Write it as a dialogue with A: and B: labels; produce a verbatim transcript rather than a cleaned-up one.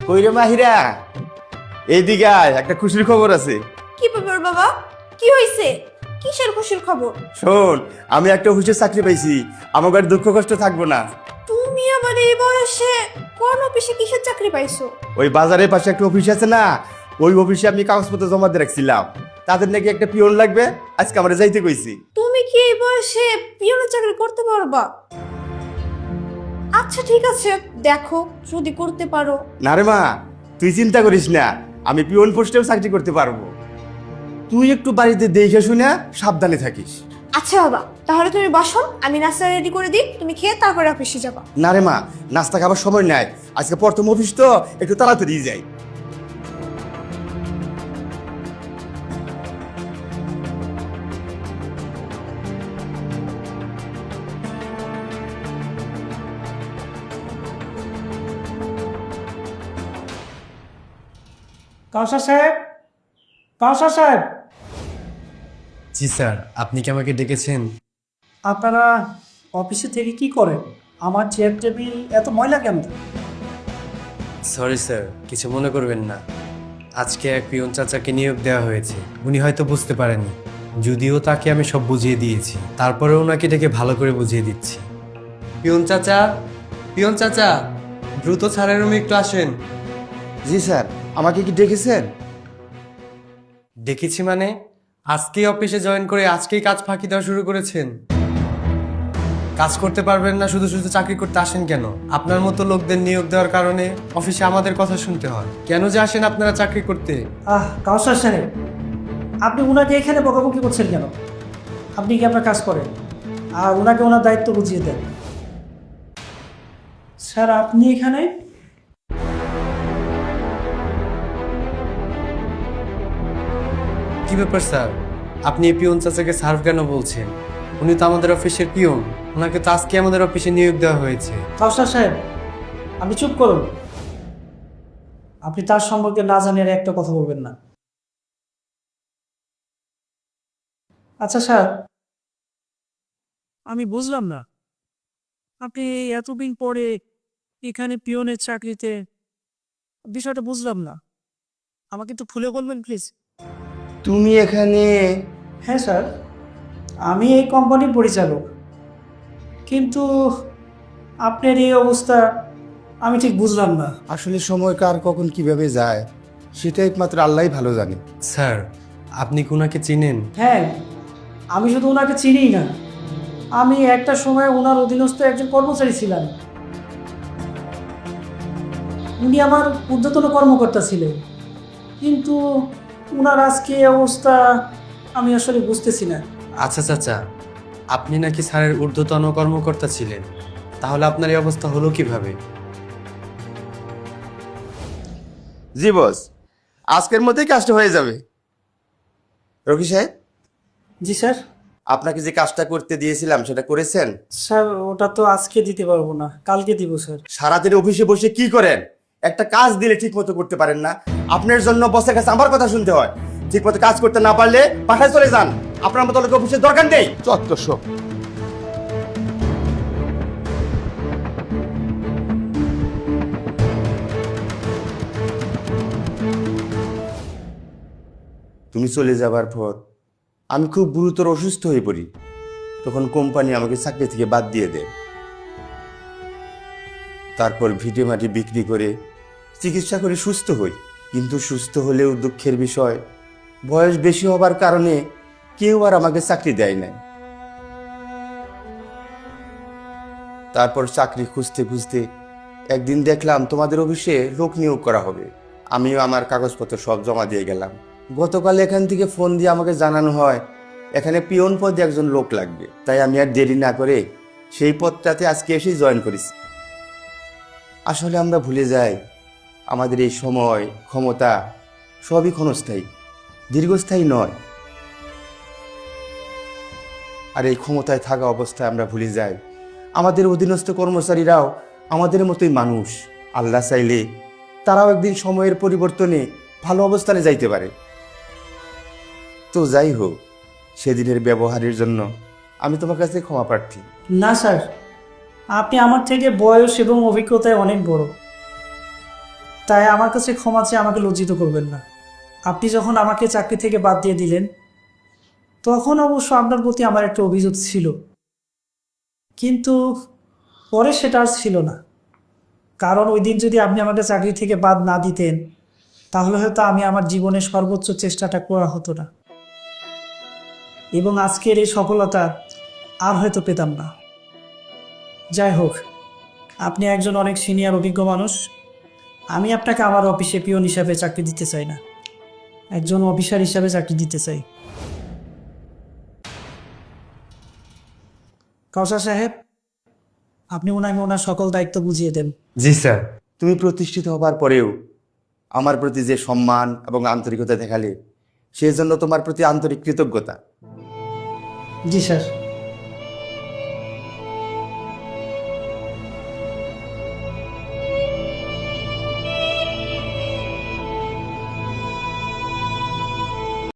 A: কইরে মাহিরা, এইদিকে আয়, একটা খুশির খবর আছে।
B: কি ব্যাপার বাবা? কি হয়েছে? কিসের খুশির খবর?
A: শোন, আমি একটা অফিসে চাকরি পাইছি, আমার আর দুঃখ কষ্ট থাকবো না।
B: তুমি আবার এই বয়সে কোন অফিসে কিসের চাকরি পাইছো?
A: ওই বাজারের পাশে একটা অফিস আছে না, ওই অফিসে আমি কাগজপত্র জমা দিয়ে রাখছিলাম। তাদের নাকি একটা পিয়ন লাগবে, আজকে আমরা যাইতে কইছি।
B: তুমি কি এই বয়সে পিয়নের চাকরি করতে পারবা? আচ্ছা ঠিক আছে, দেখো যদি করতে পারো।
A: না রে মা, তুই চিন্তা করিস না, আমি পিয়ন পোস্টেও চাকরি করতে পারবো। তুই একটু বাড়িতে দেখে শুনে সাবধানে থাকিস।
B: আচ্ছা বাবা, তাহলে তুমি বসো, আমি নাস্তা রেডি করে দিই, তুমি খেয়ে তারপরে অফিসে যাবা।
A: না রে মা, নাস্তা খাবার সময় নাই, আজকে প্রথম অফিস তো, একটু তাড়াতাড়ি যাই।
C: কাউসার সাহেব, কাউসার সাহেব,
D: জি স্যার, আপনি কি আমাকে ডেকেছেন?
C: আপনারা অফিসে থেকে কি করেন? আমার চেয়ার টেবিল এত ময়লা কেন?
D: সরি স্যার, কিছু মনে করবেন না। আজকে এক পিয়ন চাচাকে নিয়োগ দেওয়া হয়েছে, উনি হয়তো বুঝতে পারেননি, যদিও তাকে আমি সব বুঝিয়ে দিয়েছি। তারপরে ওনাকে ডেকে ভালো করে বুঝিয়ে দিচ্ছি। পিয়ন চাচা, পিয়ন চাচা, দ্রুত স্যারের রুমে একটু আসেন।
A: জি স্যার, আমাকে কি ডেকেছেন?
D: ডেকেছি মানে আজকেই অফিসে জয়েন করে আজকেই কাজ ফাঁকি দেওয়া শুরু করেছেন। কাজ করতে পারবেন না, শুধু শুধু চাকরি করতে আসেন কেন? আপনার মতো লোকদের নিয়োগ দেওয়ার কারণে অফিসে আমাদের কথা শুনতে হয়। কেন যে আসেন আপনারা চাকরি করতে?
C: আহ কাউসার সাহেব, আপনি ওনাকে এখানে বকাবকি করছেন কেন? আপনি কি আপনার কাজ করেন আর ওনাকে ওনার দায়িত্ব বুঝিয়ে দেন। স্যার আপনি এখানে?
D: কি ব্যাপার স্যার, আপনি এই পিয়ন চাচাকে সার্ভ কেন বলছেন? উনি তো আমাদের অফিসের পিয়ন, ওনাকে তো আজকে আমাদের অফিসে নিয়োগ দেওয়া হয়েছে।
C: কাউসার সাহেব, আপনি চুপ করুন। আপনি তার সম্পর্কে না জানেন একটা কথা বলবেন না। আচ্ছা স্যার, আমি বুঝলাম না, আপনি এতদিন পরে এখানে পিয়নের চাকরিতে, বিষয়টা বুঝলাম না, আমাকে একটু খুলে বলবেন প্লিজ।
A: তুমি এখানে?
C: হ্যাঁ স্যার, আমি এই কোম্পানির পরিচালক, কিন্তু আপনার এই অবস্থা আমি ঠিক বুঝলাম না।
A: আসলে সময় কার কখন কিভাবে যায় সেটা একমাত্র আল্লাহই ভালো জানে।
D: স্যার, আপনি কি ওনাকে চিনেন?
C: হ্যাঁ, আমি শুধু ওনাকে চিনি না, আমি একটা সময় ওনার অধীনস্থ একজন কর্মচারী ছিলাম। উনি আমার ঊর্ধ্বতন কর্মকর্তা ছিলেন, কিন্তু ওনার আজকে এই অবস্থা আমি আসলে বুঝতেছি না।
D: আচ্ছা চাচা, আপনি নাকি স্যারের ঊর্ধ্বতন কর্মকর্তা ছিলেন, তাহলে আপনার এই অবস্থা হলো কিভাবে?
A: জি বস, আজকের মধ্যেই কাজটা হয়ে যাবে। রকি সাহেব,
C: জি স্যার।
A: আপনাকে যে কাজটা করতে দিয়েছিলাম সেটা করেছেন?
C: স্যার ওটা তো আজকে দিতে পারবো না, কালকে দিব স্যার।
A: সারাদিন অফিসে বসে কি করেন? একটা কাজ দিলে ঠিক মতো করতে পারেন না। আপনার জন্য বসের কাছে আমার কথা শুনতে হয়। ঠিক মতো কাজ করতে না পারলে পাঠায় চলে যান। আপনার মতো লোক অফিসের দরকার নেই। চত্বর সব। তুমি চলে যাবার পর আমি খুব গুরুতর অসুস্থ হয়ে পড়ি। তখন কোম্পানি আমাকে চাকরি থেকে বাদ দিয়ে দেয়। তারপর ভিটে মাটি বিক্রি করে চিকিৎসা করে সুস্থ হই। কিন্তু সুস্থ হলেও দুঃখের বিষয়, বয়স বেশি হবার কারণে কেউ আর আমাকে চাকরি দেয় নাই। তারপর চাকরি খুঁজতে খুঁজতে একদিন দেখলাম তোমাদের অফিসে লোক নিয়োগ করা হবে। আমিও আমার কাগজপত্র সব জমা দিয়ে গেলাম। গতকাল এখান থেকে ফোন দিয়ে আমাকে জানানো হয় এখানে পিয়ন পদে একজন লোক লাগবে। তাই আমি আর দেরি না করে সেই পদটাতে আজকে এসেই জয়েন করেছি। আসলে আমরা ভুলে যাই আমাদের এই সময়, ক্ষমতা সবই ক্ষণস্থায়ী, দীর্ঘস্থায়ী নয়। আর এই ক্ষমতায় থাকা অবস্থায় আমরা ভুলে যাই আমাদের অধীনস্থ কর্মচারীরাও আমাদের মতোই মানুষ। আল্লাহ চাইলে তারাও একদিন সময়ের পরিবর্তনে ভালো অবস্থানে যাইতে পারে। তো যাই হোক, সেদিনের ব্যবহারের জন্য আমি তোমার কাছে ক্ষমা প্রার্থী।
C: না স্যার, আপনি আমার থেকে বয়স এবং অভিজ্ঞতায় অনেক বড়, তাই আমার কাছে ক্ষমা চেয়ে আমাকে লজ্জিত করবেন না। আপনি যখন আমাকে চাকরি থেকে বাদ দিয়ে দিলেন তখন অবশ্য আপনার প্রতি আমার একটা অভিযোগ ছিল, কিন্তু পরে সেটা আর ছিল না। কারণ ওই দিন যদি আপনি আমাকে চাকরি থেকে বাদ না দিতেন তাহলে হয়তো আমি আমার জীবনের সর্বোচ্চ চেষ্টাটা করা হতো না, এবং আজকের এই সফলতা আর হয়তো পেতাম না। যাই হোক, আপনি একজন অনেক সিনিয়র অভিজ্ঞ মানুষ। আমি আপনাকে আমার অফিসে পিয়ন হিসাবে চাকরি দিতে চাই না, একজন অফিসার হিসাবে চাকরি দিতে চাই। কাউসার সাহেব, আপনি ওনাকে ওনার সকল দায়িত্ব বুঝিয়ে দেন।
D: জি স্যার।
A: তুমি প্রতিষ্ঠিত হবার পরেও আমার প্রতি যে সম্মান এবং আন্তরিকতা দেখালে, সেই জন্য তোমার প্রতি আন্তরিক কৃতজ্ঞতা।
C: জি স্যার।